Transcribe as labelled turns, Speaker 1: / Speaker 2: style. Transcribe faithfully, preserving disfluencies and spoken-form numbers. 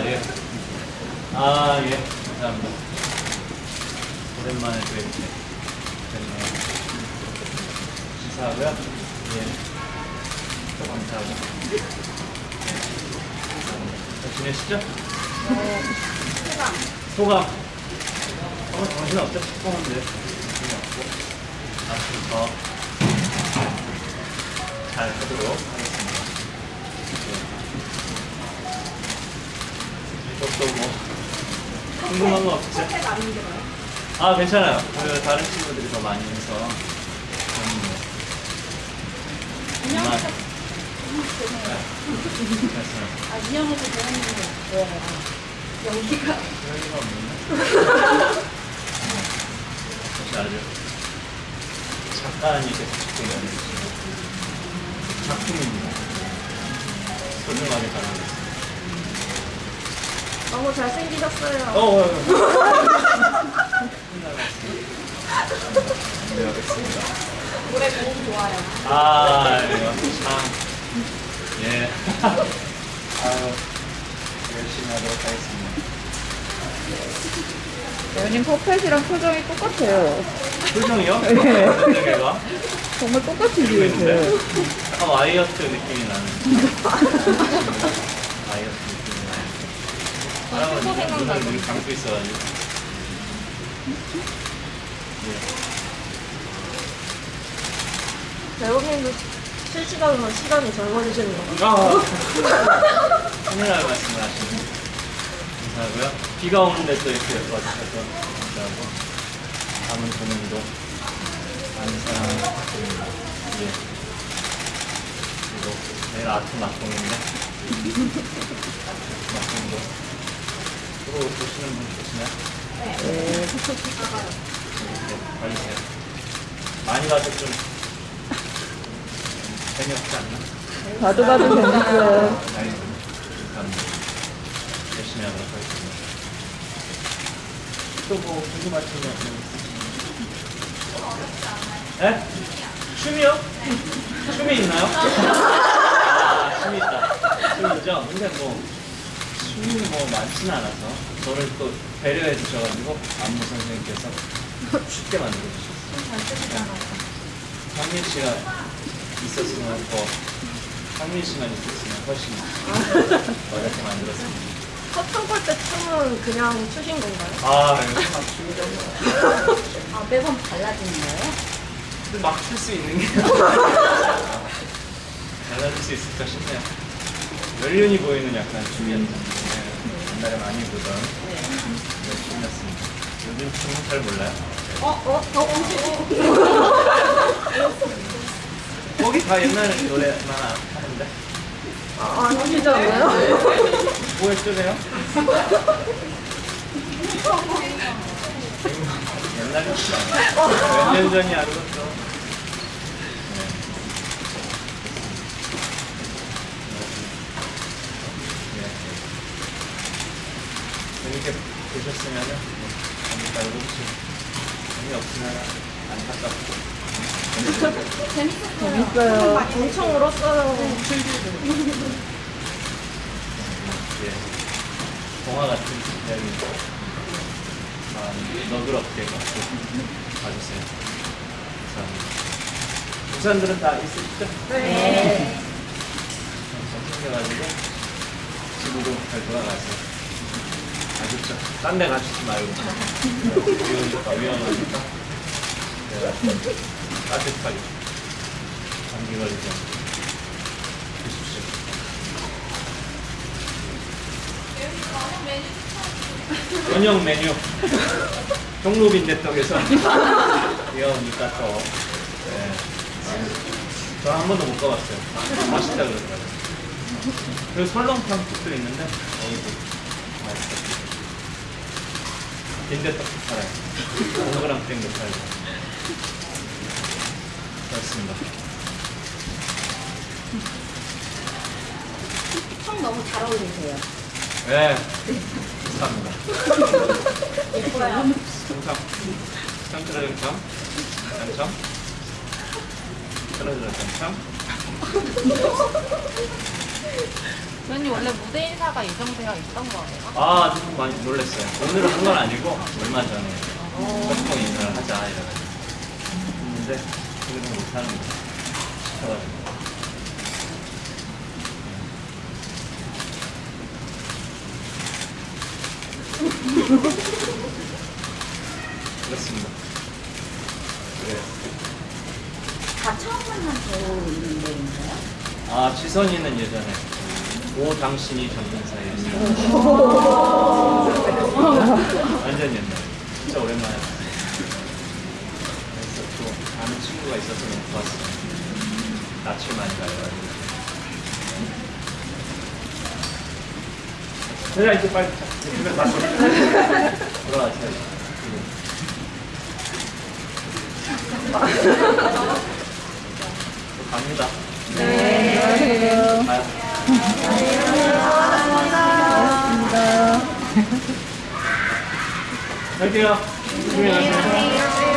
Speaker 1: 예. 아, 예. 감사합니다. 오랜만에 또 이렇게 뵙네요. 감사하고요. 예. 또 감사하고. 예. 잘 지내시죠?
Speaker 2: 네. 소감.
Speaker 1: 소감. 어, 정신 없죠? 축구하는데. 정신이 없고. 앞으로 더 잘 하도록 하겠습니다. 예. 이것도 뭐, 궁금한 거 없죠?
Speaker 2: 선택 안 힘들어요?
Speaker 1: 아, 괜찮아요. 그 다른 친구들이 더 많이 해서. 저는 뭐,
Speaker 2: 인형에서
Speaker 1: 정말,
Speaker 2: 죄송해요.
Speaker 1: 괜찮아요.
Speaker 2: 아, 인형에서 배웠는데 왜 연기가
Speaker 1: 별거 없는데? 혹시 알죠? 작가님이 계속 찍고 있는 작품입니다. 소중하게 다루겠습니다.
Speaker 2: 너무 잘생기셨어요.
Speaker 1: 어, 어, 어. 네, 알겠습니다.
Speaker 2: 노래 너무 좋아요.
Speaker 1: 아, 이거 참. 예. 아유, 열심히 하도록 하겠습니다.
Speaker 3: 연인 퍼펫이랑 표정이 똑같아요.
Speaker 1: 표정이요?
Speaker 3: 네.
Speaker 1: 어떤 얘가
Speaker 3: 정말 똑같이
Speaker 1: 그리고 있는데?
Speaker 3: 지으세요.
Speaker 1: 약간 와이어트 느낌이 나는. 와이어트 느낌이 나는. 할아버지가 눈을 늘 감고 있어가지고. 예.
Speaker 2: 배우님도 실시간으로 시간이 젊어지시는 거.
Speaker 1: 아, 큰일 날 말씀을 하시네. 감사하고요. 비가 오는데 또 이렇게 와주셔서 감사하고, 남은 고민도 많은 사랑을 부탁드립니다. 예. 그리고 내일 아트 막공인데, 아트 막공도 또 보시는 분 계시나요?
Speaker 2: 네.
Speaker 3: 네.
Speaker 1: 이렇게 봐주세요. 많이 봐도 좀 재미없지 않나?
Speaker 3: 봐도 봐도 재밌어요.
Speaker 1: 알겠습니다. 감사합니다. 열심히 하도록 하겠습니다. 또 뭐 궁금하신 거 있으신가요? 네? 춤이요? 춤이 있나요? 아, 춤이 있다. 춤 있죠? 근데 뭐 춤이 뭐 많지는 않아서 저를 또 배려해 주셔가지고 안무 선생님께서 쉽게 만들어 주셨어요.
Speaker 2: 잘 쓰시잖아요.
Speaker 1: 상민 씨가 있었으면 더 상민 씨만 있었으면 훨씬 어렵게 만들었습니다.
Speaker 2: 커튼 콜때 춤은 그냥 추신 건가요?
Speaker 1: 아, 이거 막 춤이죠.
Speaker 2: 아, 매번 달라지는 거예요?
Speaker 1: 근데 막 출 수 있는 게 달라질 수 있을까 싶네요. 연륜이 보이는 약간 춤이었는데 옛날에 많이 보던 그런 춤이었습니다. 요즘 춤은 잘 몰라요.
Speaker 2: 어? 어? 어?
Speaker 1: 거기 다 옛날 노래만 하는데
Speaker 2: 아, 안 하시지 않나요?
Speaker 1: 뭐 했죠, 내요? 옛날에 몇 년 전이 아니었죠. 재밌게 보셨으면은 재밌다 이러고 재미없으면 안타깝고
Speaker 3: 재밌어요.
Speaker 2: 엄청 울었어요.
Speaker 1: 예, 동화 같은 이야기고 마음 너그럽게 갖고 봐주세요. 감사합니다. 부산들은 다 있으시죠?
Speaker 2: 네.
Speaker 1: 잘 챙겨가지고 집으로 잘 돌아가세요. 아셨죠? 딴 데 가시지 말고 위험하니까 위험하니까 내가 따뜻하게 감기 걸리지 않게 드십시오. 저녁 메뉴 종로빈대떡에서 귀여우니까 또 네. 저는 한 번도 못 가봤어요. 맛있다 그러더라고요. 그리고 설렁탕 집도 있는데 거기도 맛있어요. 빈대떡도 팔아요. 동그랑땡도 팔고 그렇습니다.
Speaker 2: 청 너무 잘 어울리세요.
Speaker 1: 네, 감사합니다.
Speaker 2: 예뻐요.
Speaker 1: 정상, 상트라 정상, 정상, 트라트라 정상.
Speaker 3: 저
Speaker 4: 저는 원래 무대 인사가 예정되어 있던 거예요?
Speaker 1: 아, 좀 많이 놀랐어요. 오늘은 한 건 아니고, 얼마 전에 보통 인사를 하자, 이래가지고. 했는데, 그래도 못하는 거 시켜가지고. 그렇습니다. 그래요.
Speaker 2: 다 처음 만난 배우인데인가요?
Speaker 1: 아, 지선이는 예전에 오 당신이 전문 사이였어요. 완전 옛날. 진짜 오랜만에 봤어요. 그래서 또 아는 친구가 있어서 너무 좋았어요. 낯을 많이 가려가지고. 그래, 이제 빨리 자. 이제 집에 가서 돌아가세요. 또 갑니다.
Speaker 3: 네. 안녕하세요.
Speaker 1: 가요.
Speaker 3: 반갑습니다.
Speaker 1: 갈게요. 조심히 가세요.